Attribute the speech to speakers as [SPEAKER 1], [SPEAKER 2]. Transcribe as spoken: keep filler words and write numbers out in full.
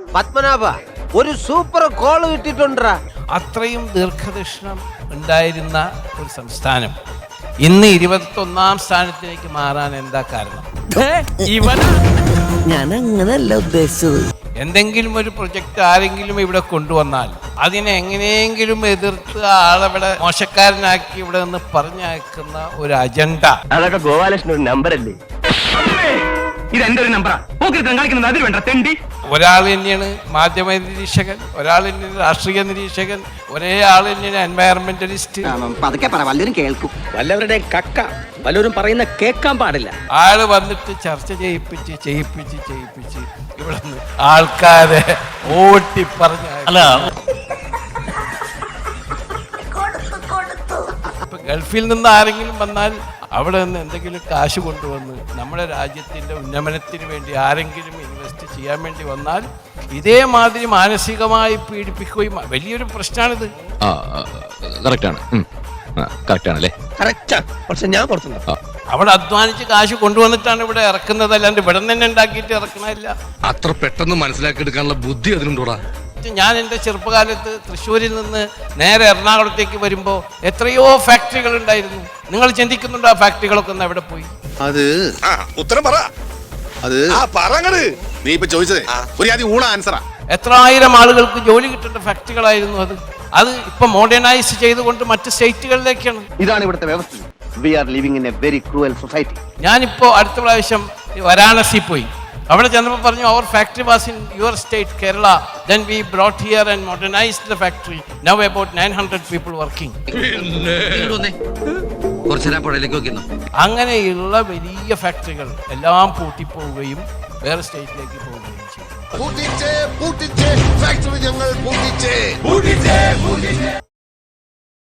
[SPEAKER 1] പത്മനാഭ ഒരു super call കിട്ടിട്ടുണ്ടാ.
[SPEAKER 2] അത്രയും ദീർഘദർശനം ഉണ്ടായിരുന്ന ഒരു സംസ്ഥാനം ഇന്ന് ഇരുപത്തൊന്നാം സ്ഥാനത്തിലേക്ക് മാറാൻ എന്താ കാരണം? ഇവൻ
[SPEAKER 3] ഞാൻ അങ്ങനല്ല ഉദ്ദേശിച്ചത്.
[SPEAKER 2] എന്തെങ്കിലും ഒരു പ്രൊജക്റ്റ് ആരെങ്കിലും ഇവിടെ കൊണ്ടുവന്നാൽ അതിനെ എങ്ങനെയെങ്കിലും എതിർത്ത് ആളവിടെ മോശക്കാരനാക്കി ഇവിടെ നിന്ന് പറഞ്ഞയക്കുന്ന ഒരു അജണ്ട.
[SPEAKER 4] അതൊക്കെ ഗോപാലകൃഷ്ണൻ ഒരു നമ്പറല്ലേ? ഇത് എന്റെ ഒരു നമ്പറാ. കാണിക്കുന്നത് അതിൽ വേണ്ട തെണ്ടി.
[SPEAKER 2] ഒരാൾ തന്നെയാണ് മാധ്യമ നിരീക്ഷകൻ, ഒരാൾ തന്നെയാണ് രാഷ്ട്രീയ നിരീക്ഷകൻ, ഒരേ ആൾ തന്നെയാണ് എൻവയറമെന്റലിസ്റ്റ്.
[SPEAKER 3] പതുക്കെ പറ, വല്ലവരും കേൾക്കും.
[SPEAKER 4] വല്ലവരുടെ കക്ക വല്ലവരും പറയുന്ന കേൾക്കാൻ പാടില്ല.
[SPEAKER 2] ആള് വന്നിട്ട് ചർച്ച ചെയ്യിപ്പിച്ച് ചെയ്യിപ്പിച്ച് ചെയ്യിപ്പിച്ച് ഇവിടെ നിന്ന് ആൾക്കാരെ ഓട്ടി പറഞ്ഞ
[SPEAKER 5] അല്ല
[SPEAKER 2] ഇപ്പൊ ഗൾഫിൽ നിന്ന് ആരെങ്കിലും വന്നാൽ അവിടെ നിന്ന് എന്തെങ്കിലും കാശ് കൊണ്ടുവന്ന് നമ്മുടെ രാജ്യത്തിന്റെ ഉന്നമനത്തിന് വേണ്ടി ആരെങ്കിലും ഇൻവെസ്റ്റ് ചെയ്യാൻ വേണ്ടി വന്നാൽ ഇതേമാതിരി മാനസികമായി പീഡിപ്പിക്കുകയും വലിയൊരു പ്രശ്നമാണിത്. അവിടെ അധ്വാനിച്ച് കാശ് കൊണ്ടുവന്നിട്ടാണ് ഇവിടെ ഇറക്കുന്നത്, അല്ലാണ്ട് ഇവിടെ തന്നെ ഉണ്ടാക്കിയിട്ട് ഇറക്കണമില്ല.
[SPEAKER 6] അത്ര പെട്ടെന്ന് മനസ്സിലാക്കി എടുക്കാനുള്ള ബുദ്ധി അതിനുണ്ടോടാ?
[SPEAKER 2] ഞാൻ എൻ്റെ ചെറുപ്പകാലത്ത് തൃശ്ശൂരിൽ നിന്ന് നേരെ എറണാകുളത്തേക്ക് വരുമ്പോൾ എത്രയോ ഫാക്ടറികൾ ഉണ്ടായിരുന്നു. നിങ്ങൾ ചിന്തിക്കുന്നുണ്ടോ ആ ഫാക്ടറികളൊക്കെ ഒന്ന് എവിടെ പോയി?
[SPEAKER 6] അത് ഉത്തരം പറ. അത് പറങ്ങട് നീ ഇപ്പൊ ചോദിച്ചത് ഒരു ആദ്യം ഊണ ആൻസറാ.
[SPEAKER 2] എത്ര ആയിരം ആളുകൾക്ക് ജോലി കിട്ടേണ്ട ഫാക്ടറികളായിരുന്നു അത്. അത് ഇപ്പൊ മോഡേണൈസ് ചെയ്തുകൊണ്ട് മറ്റ് സ്റ്റേറ്റുകളിലേക്കാണ്.
[SPEAKER 4] ഇതാണ് ഇവിടുത്തെ വ്യവസ്ഥ. We are living in a very cruel society.
[SPEAKER 2] ഞാനിപ്പോ അടുത്ത പ്രാവശ്യം വാരാണസി പോയി. അവിടെ ചെന്നപ്പോൾ പറഞ്ഞു അവർ factory was in your state Kerala. Then we brought here and modernised the factory. Now about nine hundred people working. അങ്ങനെയുള്ള വലിയ ഫാക്ടറികൾ എല്ലാം പൂട്ടിപ്പോവുകയും വേറെ സ്റ്റേറ്റിലേക്ക് പോവുകയും ചെയ്യും.
[SPEAKER 6] പൂട്ടിച്ചേ പൂട്ടിച്ചേ ഫാക്ടറി ഞങ്ങൾ പൂട്ടിച്ചേ പൂട്ടിച്ചേ